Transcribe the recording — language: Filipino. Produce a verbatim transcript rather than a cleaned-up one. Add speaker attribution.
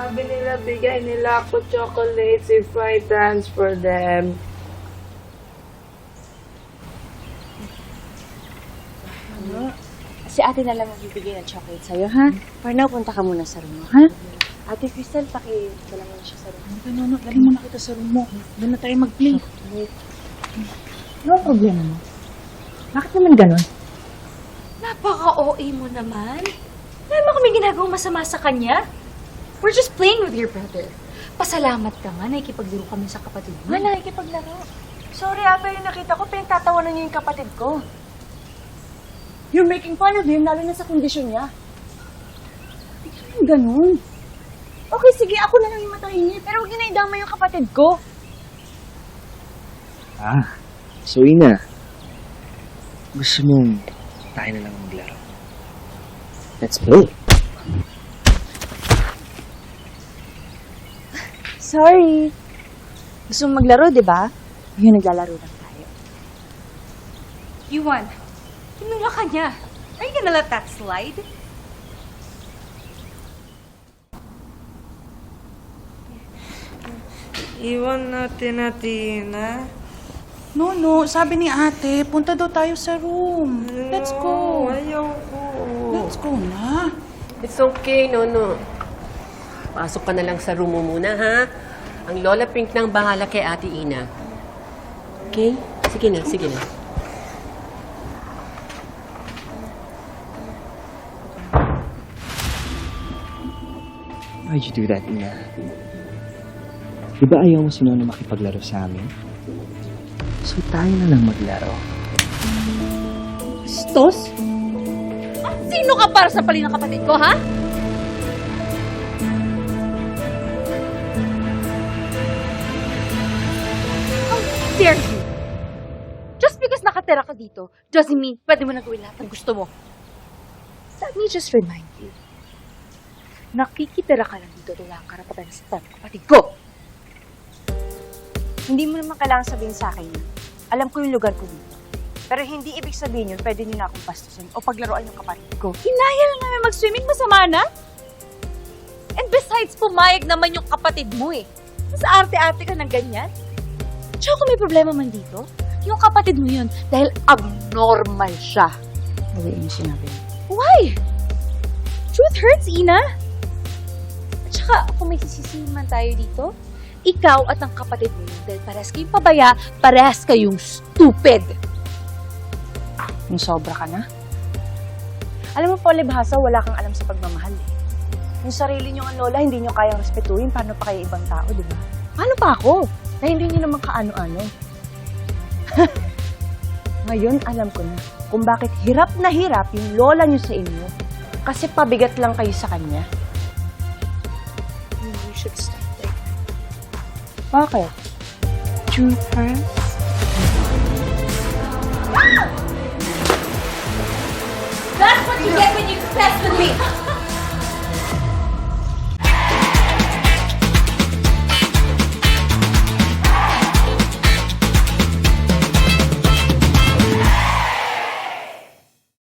Speaker 1: Sabi nila, bigay nila ako chocolates if I transfer them.
Speaker 2: Ano? Si ate na lang magbibigay ng chocolate sa'yo, ha? For now, punta ka muna sa room mo, ha? Ate Crystal, paki-dala mo na siya sa room.
Speaker 3: Ano, no, dali mo na kita sa room mo. Doon na tayo mag-play.
Speaker 2: Ano ang problema mo? Bakit naman ganon?
Speaker 4: Napaka-O A mo naman. Wala naman kami ginagawang masama sa kanya. We're just playing with your brother. Pasalamat ka nga, nakikipaglaro kami sa kapatid mo.
Speaker 2: Nga, nakikipaglaro. Sorry ata yung nakita ko, pinagtatawanan niya yung kapatid ko. You're making fun of him, lalo na sa kondisyon niya. Hindi naman ganun. Okay, sige, ako na lang yung matahingi, pero huwag niyo na idama yung kapatid ko.
Speaker 5: Ah, so Ina, gusto mong tayo na lang maglaro? Let's play.
Speaker 2: Sorry. Gusto mong maglaro, di ba? Ngayon, naglalaro lang tayo.
Speaker 4: Yuan, tinula ka niya. Are you gonna let that slide?
Speaker 1: Iwan natin na Tina.
Speaker 3: No, no. Sabi ni ate, punta daw tayo sa room. Let's go.
Speaker 1: Ayaw ko.
Speaker 3: Let's go na.
Speaker 6: It's okay, Nono. Pasok ka na lang sa room mo muna, ha? Ang Lola Pink nang bahala kay Ate Ina. Okay? Sige na, sige na.
Speaker 5: Why'd you do that, Ina? Di ba ayaw mo si Nono makipaglaro sa amin? So tayo na lang maglaro.
Speaker 4: Stos? Sino ka para sa pali ng kapatid ko, ha? How dare you? Just because nakatira ka dito, doesn't mean pwede mo na gawin lahat ng gusto mo. Let me just remind you, nakikitira ka lang dito, wala kang karapatan sa tanong kapatid ko.
Speaker 2: Hindi mo naman kailangan sabihin sa akin yun. Alam ko yung lugar ko dito. Pero hindi ibig sabihin yun, pwede nyo na akong pastusin o paglaruan yung kapatid ko.
Speaker 4: Hinaya lang namin mag-swimming, masama na? And besides, pumayag naman yung kapatid mo eh. Mas arte-arte ka ng ganyan. Tsaka kung may problema man dito, yung kapatid mo yun, dahil abnormal siya.
Speaker 2: Hindi yung sinabi mo.
Speaker 4: Why? Truth hurts, Ina. At saka, kung may sisisihin man tayo dito, ikaw at ang kapatid mo yun, dahil parehas kayong pabaya, parehas kayong stupid.
Speaker 2: Yung sobra ka na. Alam mo, palibhasa, wala kang alam sa pagmamahal eh. Yung sarili nyo ang lola, hindi nyo kayang respetuhin, paano pa kayo ibang tao, di ba? Paano pa ako? Na hindi nyo naman kaano-ano. Ngayon, alam ko na kung bakit hirap na hirap yung lola nyo sa inyo. Kasi pabigat lang kayo sa kanya.
Speaker 4: You should stop there.
Speaker 2: Bakit?
Speaker 4: Truth hurts? That's what you get when you mess with me!